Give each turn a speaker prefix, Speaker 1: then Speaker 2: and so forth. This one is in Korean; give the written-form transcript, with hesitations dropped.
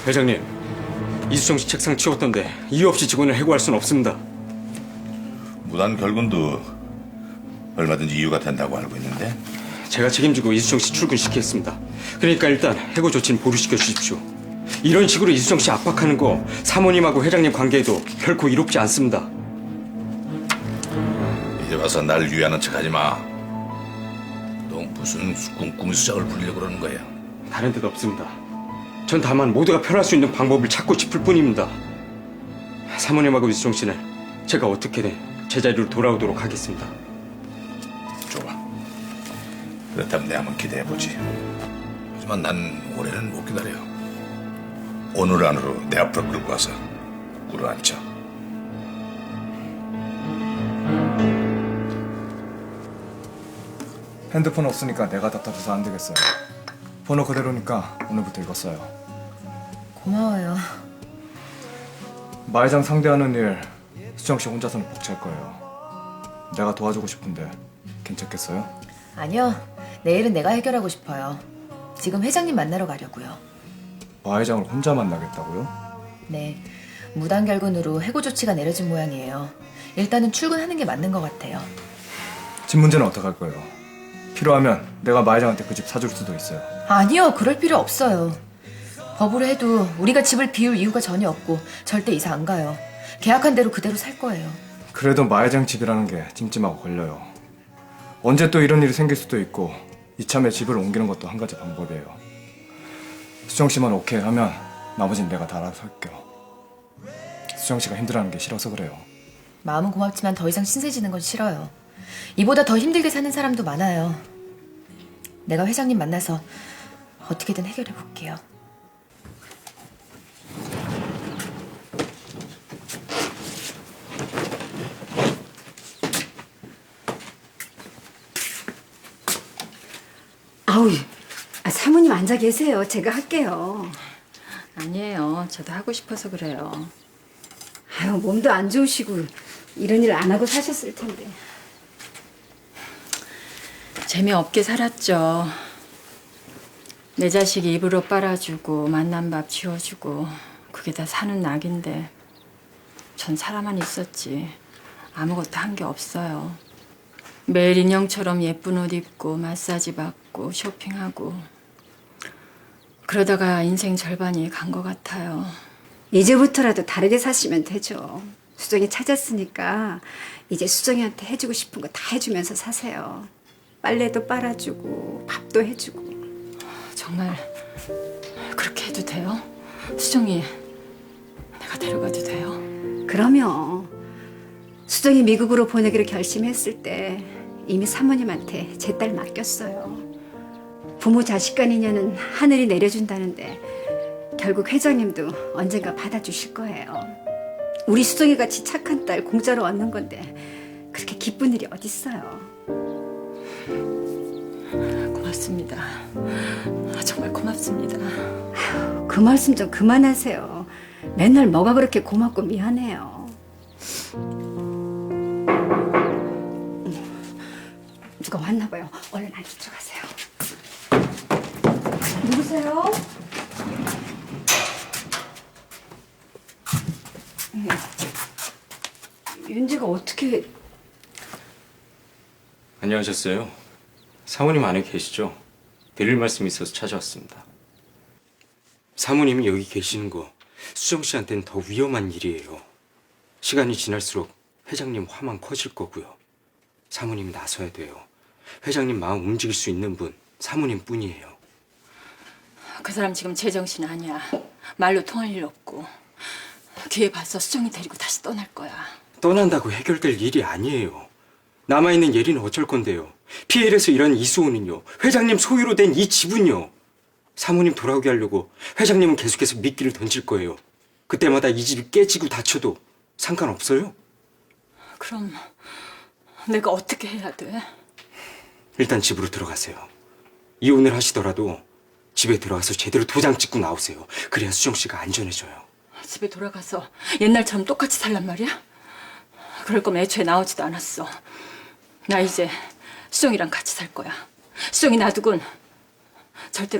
Speaker 1: 회장님, 이수정 씨 책상 치웠던데 이유 없이 직원을 해고할 수는 없습니다.
Speaker 2: 무단 결근도 얼마든지 이유가 된다고 알고 있는데.
Speaker 1: 제가 책임지고 이수정 씨 출근시키겠습니다. 그러니까 일단 해고 조치는 보류시켜 주십시오. 이런 식으로 이수정 씨 압박하는 거 사모님하고 회장님 관계에도 결코 이롭지 않습니다.
Speaker 2: 이제 와서 날 위하는 척하지 마. 너 무슨 꿍꿍이 수작을 부리려고 그러는 거야?
Speaker 1: 다른 데도 없습니다. 전 다만 모두가 편할 수 있는 방법을 찾고 싶을 뿐입니다. 사모님하고 이수정 씨는 제가 어떻게든 제자리로 돌아오도록 하겠습니다.
Speaker 2: 좋아. 그렇다면 내 한번 기대해보지. 하지만 난 올해는 못 기다려. 오늘 안으로 내 앞으로 끌고 와서 꿇어앉혀.
Speaker 3: 핸드폰 없으니까 내가 답답해서 안 되겠어요. 번호 그대로니까 오늘부터 이거 써요.
Speaker 4: 고마워요.
Speaker 3: 마회장 상대하는 일 수정 씨 혼자서는 벅찰 거예요. 내가 도와주고 싶은데 괜찮겠어요?
Speaker 4: 아니요. 내일은 내가 해결하고 싶어요. 지금 회장님 만나러 가려고요.
Speaker 3: 마회장을 혼자 만나겠다고요?
Speaker 4: 네. 무단 결근으로 해고 조치가 내려진 모양이에요. 일단은 출근하는 게 맞는 것 같아요.
Speaker 3: 집 문제는 어떡할 거예요? 필요하면 내가 마회장한테 그 집 사줄 수도 있어요.
Speaker 4: 아니요. 그럴 필요 없어요. 법으로 해도 우리가 집을 비울 이유가 전혀 없고 절대 이사 안 가요. 계약한 대로 그대로 살 거예요.
Speaker 3: 그래도 마회장 집이라는 게 찜찜하고 걸려요. 언제 또 이런 일이 생길 수도 있고 이참에 집을 옮기는 것도 한 가지 방법이에요. 수정 씨만 오케이 하면 나머진 내가 다 알아서 할게요. 수정 씨가 힘들어하는 게 싫어서 그래요.
Speaker 4: 마음은 고맙지만 더 이상 신세지는 건 싫어요. 이보다 더 힘들게 사는 사람도 많아요. 내가 회장님 만나서 어떻게든 해결해 볼게요.
Speaker 5: 아우, 사모님 앉아 계세요. 제가 할게요.
Speaker 6: 아니에요. 저도 하고 싶어서 그래요.
Speaker 5: 아유, 몸도 안 좋으시고 이런 일 안 하고 사셨을 텐데.
Speaker 6: 재미없게 살았죠. 내 자식 입으로 빨아주고 만난 밥 지어주고 그게 다 사는 낙인데 전 살아만 있었지 아무것도 한 게 없어요. 매일 인형처럼 예쁜 옷 입고 마사지 받고 쇼핑하고 그러다가 인생 절반이 간 것 같아요.
Speaker 5: 이제부터라도 다르게 사시면 되죠. 수정이 찾았으니까 이제 수정이한테 해주고 싶은 거 다 해주면서 사세요. 빨래도 빨아주고 밥도 해주고.
Speaker 6: 정말 그렇게 해도 돼요? 수정이 내가 데려가도 돼요?
Speaker 5: 그러면 수정이 미국으로 보내기로 결심했을 때 이미 사모님한테 제 딸 맡겼어요. 부모 자식 간 인연은 하늘이 내려준다는데 결국 회장님도 언젠가 받아주실 거예요. 우리 수정이 같이 착한 딸 공짜로 얻는 건데 그렇게 기쁜 일이 어딨어요.
Speaker 6: 고맙습니다. 정말 고맙습니다.
Speaker 5: 그 말씀 좀 그만하세요. 맨날 뭐가 그렇게 고맙고 미안해요. 누가 왔나 봐요. 얼른 안에 들어가세요. 누구세요? 윤지가 어떻게...
Speaker 1: 안녕하셨어요. 사모님 안에 계시죠? 드릴 말씀이 있어서 찾아왔습니다. 사모님이 여기 계시는 거 수정 씨한테는 더 위험한 일이에요. 시간이 지날수록 회장님 화만 커질 거고요. 사모님이 나서야 돼요. 회장님 마음 움직일 수 있는 분 사모님 뿐이에요.
Speaker 6: 그 사람 지금 제정신 아니야. 말로 통할 일 없고 기회 봐서 수정이 데리고 다시 떠날 거야.
Speaker 1: 떠난다고 해결될 일이 아니에요. 남아있는 예리는 어쩔 건데요. PL에서 일하는 이수호는요. 회장님 소유로 된 이 집은요. 사모님 돌아오게 하려고 회장님은 계속해서 미끼를 던질 거예요. 그때마다 이 집이 깨지고 다쳐도 상관없어요?
Speaker 6: 그럼 내가 어떻게 해야 돼?
Speaker 1: 일단 집으로 들어가세요. 이혼을 하시더라도 집에 들어가서 제대로 도장 찍고 나오세요. 그래야 수정 씨가 안전해져요.
Speaker 6: 집에 돌아가서 옛날처럼 똑같이 살란 말이야? 그럴 거면 애초에 나오지도 않았어. 나 이제 수정이랑 같이 살 거야. 수정이 놔두곤 절대로